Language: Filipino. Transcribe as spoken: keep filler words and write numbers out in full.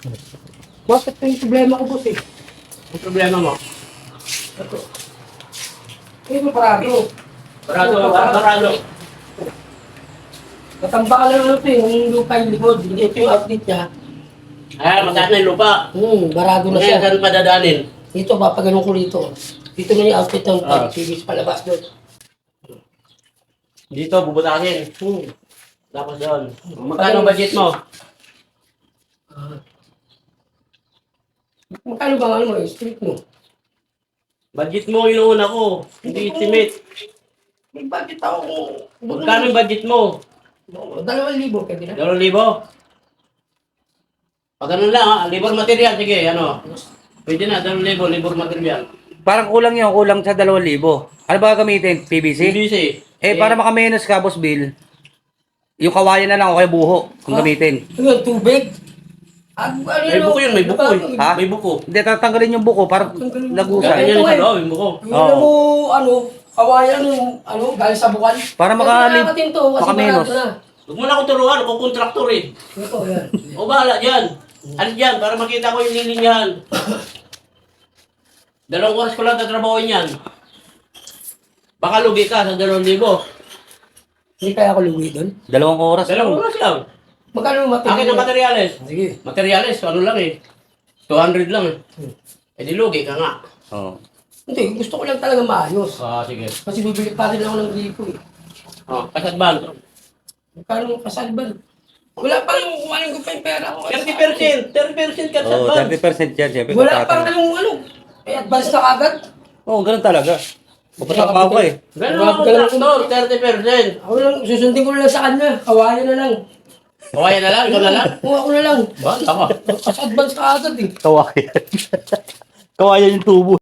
Bakit ito yung problema ko, boss eh? Ang problema mo? Ito. Ito parado. Barado, barado. Matamba ka lang ito eh, yung lupa yung likod. Ito yung outlet niya. Ah, mataas na yung lupa. Hmm, barado na Ngayon, siya. saan padadaanin? Dito, papaganon ko rito. Dito na yung outlet ng Ah. pipe. T V palabas doon. Dito, bubutakin. Hmm. Tapos doon. Magkano budget mo? Ah. Magkano ba ano mo, eh, street mo? Budget mo yung una ko. Hindi estimate. May budget ako kung... Magkano yung budget mo? Dalawang libo, pwede na. Dalawang libo? Pag ganun lang ha, libor material, sige, ano. Pwede na, dalawang libo, libor material. Parang kulang yun, kulang sa dalawang libo. Ano ba gamitin? P V C? P V C. Eh, para makamenos ka, Boss Bill, yung kawayan na lang o kaya buho kung Ah. gamitin. Ano, tubig? Ah, ano, May buko yun, may buko eh. Ha? May buko. Hindi, tatanggalin yung buko para Ganyan lagusay. yan sa loob, yung buko. Yung ano mo, ano, kawayan yung, ano, galing sa buwan. Para makalim- Nakakatin to, kasi makamenos. barado na. Huwag mo na akong turuan, ako kontraktor eh. Ito, yan. O bahala dyan. Ano dyan, para makita ko yung lilinyahan. Dalawang oras ko lang tatrabahoin yan. Baka lugi ka sa dalawang libo. Hindi kaya ako luwi doon. Dalawang oras Dalawang lang. oras lang. Magkano yung Akin ang materyales. Sige. Materyales, ano lang eh. two hundred lang eh. Eh di lugi ka nga. Oh. Hindi, gusto ko lang talaga maayos. Ah, sige. Kasi bibili pa rin ako ng gripo eh. Oh, kasatban. Magkano yung kasalban? Wala pa lang, kumain ko pa yung pera ko. thirty percent. thirty percent Oh, kasatban. thirty percent yan, siyempre. Wala pa kontrata. yung ano. Eh, advance na kagad. Oo, oh, ganun talaga. Pupatak pa ako eh. Ganun ang kontraktor, thirty percent. Ako lang, susundin ko na lang sa kanya. Kawayan na lang. Kawaya na lang, ikaw na lang. Kuha ko na lang. Ba, ako. Kasi advance ka agad eh. Kawayan. Kawayan yung tubo.